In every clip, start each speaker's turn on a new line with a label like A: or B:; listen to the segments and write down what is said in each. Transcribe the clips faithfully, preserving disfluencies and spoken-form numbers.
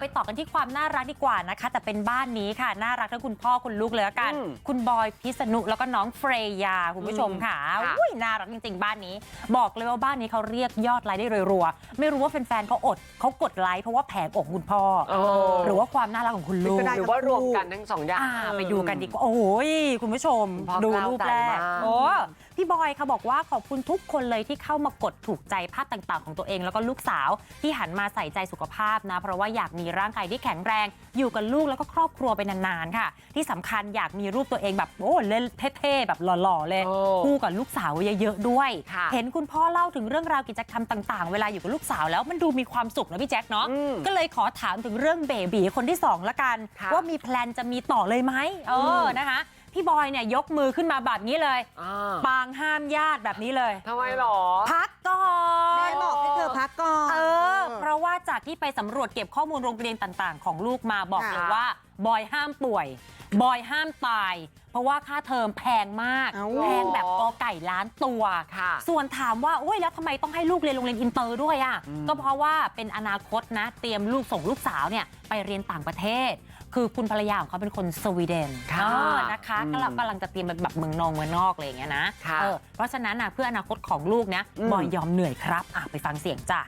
A: ต่อกันที่ความน่ารักดีกว่านะคะแต่เป็นบ้านนี้ค่ะน่ารักทั้งคุณพ่อคุณลูกเลยละกันคุณบอยพิษณุแล้วก็น้องเฟรยาคุณผู้ชมค่ะอุ้ยน่ารักจริงๆบ้านนี้บอกเลยว่าบ้านนี้เขาเรียกยอดไลค์ได้รัวๆไม่รู้ว่าแฟนๆเขาอดเขากดไลค์เพราะว่าแผงอกคุณพ่อหรือว่าความน่ารักของคุณลูก
B: หรือว่ารวมกันทั้งสองอย่าง
A: ไปดูกันดีกว่าโอ้ยคุณผู้ชมดูรูปแรกโอ้พี่บอยค่ะบอกว่าขอบคุณทุกคนเลยที่เข้ามากดถูกใจภาพต่างๆของตัวเองแล้วก็ลูกสาวที่หันมาใส่ใจสุขภาพนะเพราะว่าอยากมีร่างกายที่แข็งแรงอยู่กับลูกแล้วก็ครอบครัวไปนานๆค่ะที่สำคัญอยากมีรูปตัวเองแบบโอ้เล่นเท่ๆแบบหล่อๆเลยคู่กับลูกสาวเยอะๆด้วยเห็นคุณพ่อเล่าถึงเรื่องราวกิจกรรมต่างๆเวลาอยู่กับลูกสาวแล้วมันดูมีความสุขนะพี่แจ็คเนาะก็เลยขอถามถึงเรื่องเบบีคนที่สองละกันว่ามีแพลนจะมีต่อเลยไหมเออนะคะพี่บอยเนี่ยยกมือขึ้นมาแบบนี้เลยปางห้ามญาติแบบนี้เลย
B: ทำไมหรอ
A: พักก่อน
C: แม่บอกให้เธอพักก่อน
A: เออเพราะว่าจากที่ไปสำรวจเก็บข้อมูลโรงเรียนต่างๆของลูกมาบอกเลยว่าบอยห้ามป่วยบอยห้ามตายเพราะว่าค่าเทอมแพงมากแพงแบบกอไก่ล้านตัวส่วนถามว่าโอ้ยแล้วทำไมต้องให้ลูกเรียนโรงเรียนอินเตอร์ด้วยอ่ะก็เพราะว่าเป็นอนาคตนะเตรียมลูกส่งลูกสาวเนี่ยไปเรียนต่างประเทศคือคุณภรรยาของเขาเป็นคนสวีเดนนะคะก็กำลังจะเตรียมไปแบบเมืองนอกเมืองนอกอะไรอย่างเงี้ยนะเออเพราะฉะนั้นนะเพื่ออนาคตของลูกนะบอยยอมเหนื่อยครับอ่ะไปฟังเสียงจ้ะ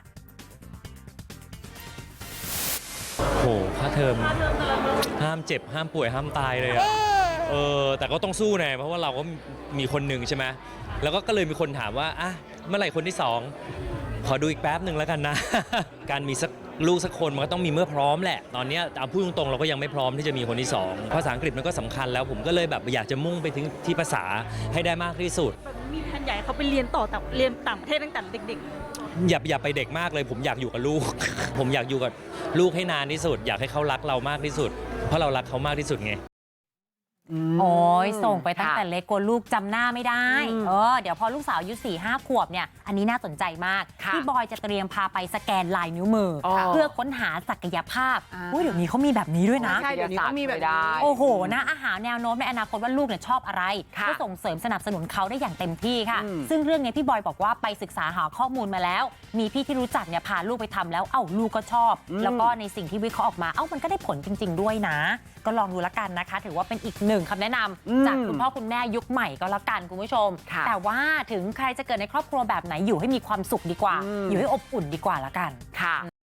D: โหค่าเทอมห้ามเจ็บห้ามป่วยห้ามตายเลยอะเออแต่ก็ต้องสู้ไงเพราะว่าเราก็มีคนหนึ่งใช่ไหมแล้วก็ก็เลยมีคนถามว่าอ่ะเมื่อไหร่คนที่สองขอดูอีกแป๊บหนึ่งแล้วกันนะ การมีสักลูกสักคนมันก็ต้องมีเมื่อพร้อมแหละตอนนี้เอาพูดตรงๆเราก็ยังไม่พร้อมที่จะมีคนที่สองภาษาอังกฤษมันก็สำคัญแล้วผมก็เลยแบบอยากจะมุ่งไปถึงที่ภาษาให้ได้มากที่สุด
E: มีแผนใหญ่เขาไปเรียนต่อแต่เรียนต่างประเทศตั้งแต่เด็ก
D: ๆอย่าอย่าไปเด็กมากเลยผมอยากอยู่กับลูก ผมอยากอยู่กับลูกให้นานที่สุดอยากให้เขารักเรามากที่สุดเพราะเรารักเขามากที่สุดไง
A: โอ้ยส่งไปตั้งแต่เล็กกลัวลูกจำหน้าไม่ได้เออเดี๋ยวพอลูกสาวอายุสี่ห้าขวบเนี่ยอันนี้น่าสนใจมากพี่บอยจะเตรียมพาไปสแกนลายนิ้วมือเพื่อค้นหาศักยภาพอุ้ยเดี๋ยวนี้เขามีแบบนี้ด้วยนะ
B: ใช่เดี๋ยวนี้เขามีแบบได้
A: โอ้โหนะอาหารแนวโน้มในอนาคตว่าลูกเนี่ยชอบอะไรก็ส่งเสริมสนับสนุนเขาได้อย่างเต็มที่ค่ะซึ่งเรื่องนี้พี่บอยบอกว่าไปศึกษาหาข้อมูลมาแล้วมีพี่ที่รู้จักเนี่ยพาลูกไปทำแล้วเอ้าลูกก็ชอบแล้วก็ในสิ่งที่วิเคราะห์ออกมาเอ้ามันก็ได้ผลจริงๆด้วยนะก็ลองดูละกันนะคะถือว่าเป็นอีกหนึ่งคำแนะนำจากคุณพ่อคุณแม่ยุคใหม่ก็แล้วกันคุณผู้ชมแต่ว่าถึงใครจะเกิดในครอบครัวแบบไหนอยู่ให้มีความสุขดีกว่าอยู่ให้อบอุ่นดีกว่าละกันค่ะ